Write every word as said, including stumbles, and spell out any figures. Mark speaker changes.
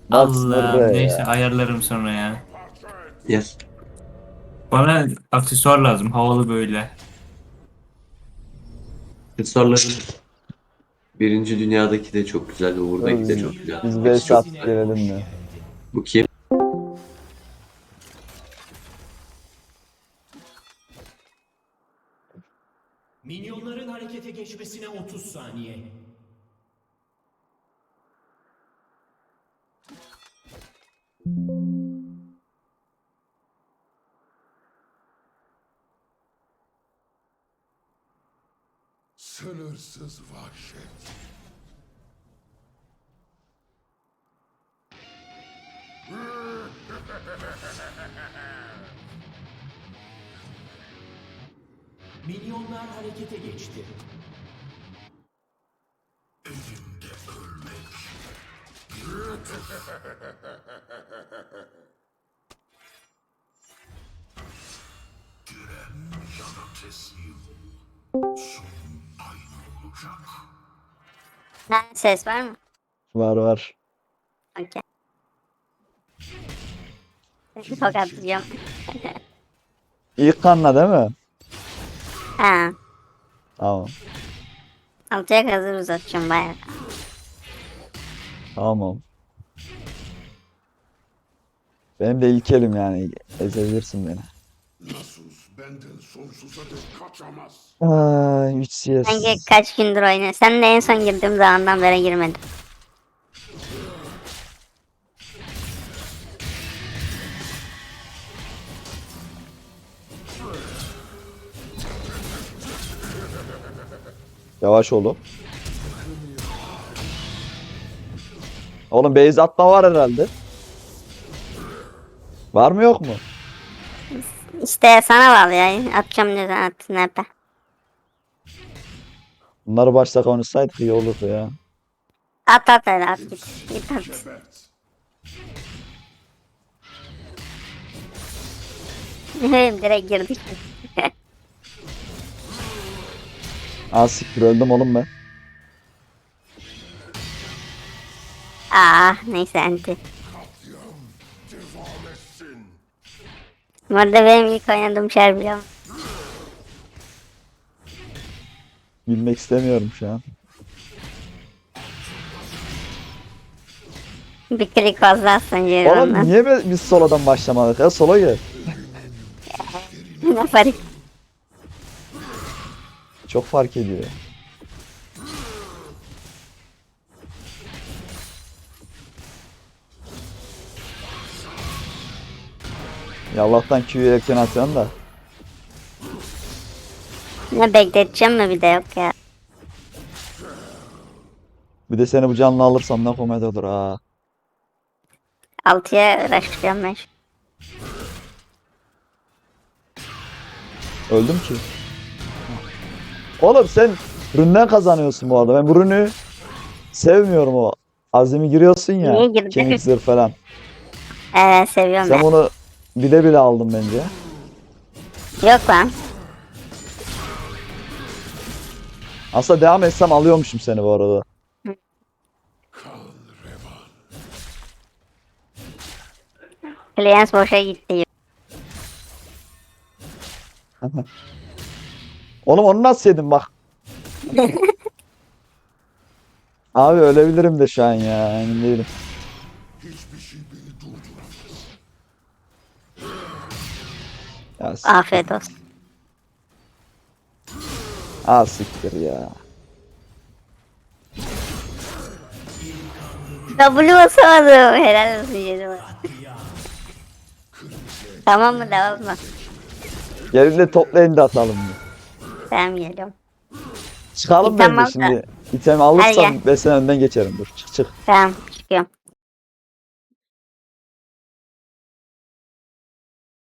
Speaker 1: Bak
Speaker 2: Allah'ım
Speaker 1: sınırı
Speaker 2: neyse
Speaker 1: ya.
Speaker 2: ayarlarım sonra ya.
Speaker 3: Yes.
Speaker 2: Bana aksesuar lazım havalı böyle.
Speaker 3: Aksesuarların birinci dünyadaki de çok güzel ve
Speaker 1: Dur
Speaker 3: buradaki de
Speaker 1: biz,
Speaker 3: çok güzel.
Speaker 1: biz
Speaker 3: Hepsi
Speaker 1: base
Speaker 3: çok
Speaker 1: atıp
Speaker 3: güzel.
Speaker 1: gelelim mi?
Speaker 3: Bu kim?
Speaker 4: Minyonların harekete geçmesine otuz saniye.
Speaker 5: Sınırsız vahşet.
Speaker 4: Minyonlar harekete geçti.
Speaker 6: Ha, ses var mı?
Speaker 1: Var var.
Speaker 6: Okey. Tokatlayacağım.
Speaker 1: İlk kanla değil mi?
Speaker 6: Ha.
Speaker 1: Tamam.
Speaker 6: Altıya kadar uzatacağım bayağı.
Speaker 1: Tamam. Benim de ilk elim yani. Ezebilirsin beni.
Speaker 5: Nasus benden sonsuza dek kaçamaz.
Speaker 1: Ay üç C S.
Speaker 6: Sanki kaç gündür oynuyor. Sen de en son girdiğim zamandan beri girmedim.
Speaker 1: Yavaş oğlum. Oğlum base atma var herhalde. Var mı yok mu?
Speaker 6: İşte sana bağlı ya. Atacağım ne zaman attın hep.
Speaker 1: Bunları başta konuşsaydık iyi olurdu ya.
Speaker 6: At at hadi at git. Git at.
Speaker 5: Gebert.
Speaker 6: Ne bileyim direkt girdik.
Speaker 1: Aa siktir öldüm oğlum ben.
Speaker 6: Aa neyse enti.
Speaker 5: Katliam devam etsin.
Speaker 6: Bu arada benim ilk oynadığım şer biliyorum.
Speaker 1: Bilmek istemiyorum şu an.
Speaker 6: Bir klik fazla atsan
Speaker 1: Oğlum
Speaker 6: Ceren'den.
Speaker 1: niye be- biz solodan başlamadık ya? Sola gel.
Speaker 6: Ne fark?
Speaker 1: Çok fark ediyor. Ya Allah'tan Q'yu erken atıyorsun da.
Speaker 6: Ne bekleteceğim mi bir de yok ya.
Speaker 1: Bir de seni bu canlı alırsam ne komedi olur ha.
Speaker 6: Altıya uğraşacağım ben. şu-
Speaker 1: Öldüm ki. Oğlum sen ründen kazanıyorsun bu arada. Ben bu rünü sevmiyorum o. Azimi giriyorsun ya.
Speaker 6: Niye girdin?
Speaker 1: Kemik zırh falan.
Speaker 6: Evet seviyorum
Speaker 1: Sen
Speaker 6: ben.
Speaker 1: bunu bile bile aldın bence.
Speaker 6: Yok lan.
Speaker 1: Aslında devam etsem alıyormuşum seni bu arada.
Speaker 5: Kan revan.
Speaker 6: Clients boşa gitti.
Speaker 1: Oğlum onu nasıl yedin bak. Abi ölebilirim de şu an ya. Emin değilim.
Speaker 5: Hiçbir şey beni durduramaz.
Speaker 1: Ya, s-
Speaker 6: Afiyet olsun.
Speaker 1: Aa siktir ya.
Speaker 6: W basamadım. Helal olsun Ceren'e. Tamam mı devam mı?
Speaker 1: Geride toplayın da atalım.
Speaker 6: Tamam geliyorum.
Speaker 1: Çıkalım
Speaker 6: İtem
Speaker 1: bence
Speaker 6: al da.
Speaker 1: şimdi. İtem
Speaker 6: Hadi
Speaker 1: alırsam
Speaker 6: gel.
Speaker 1: ben sen önden geçerim. Dur çık çık.
Speaker 6: Tamam çıkıyorum.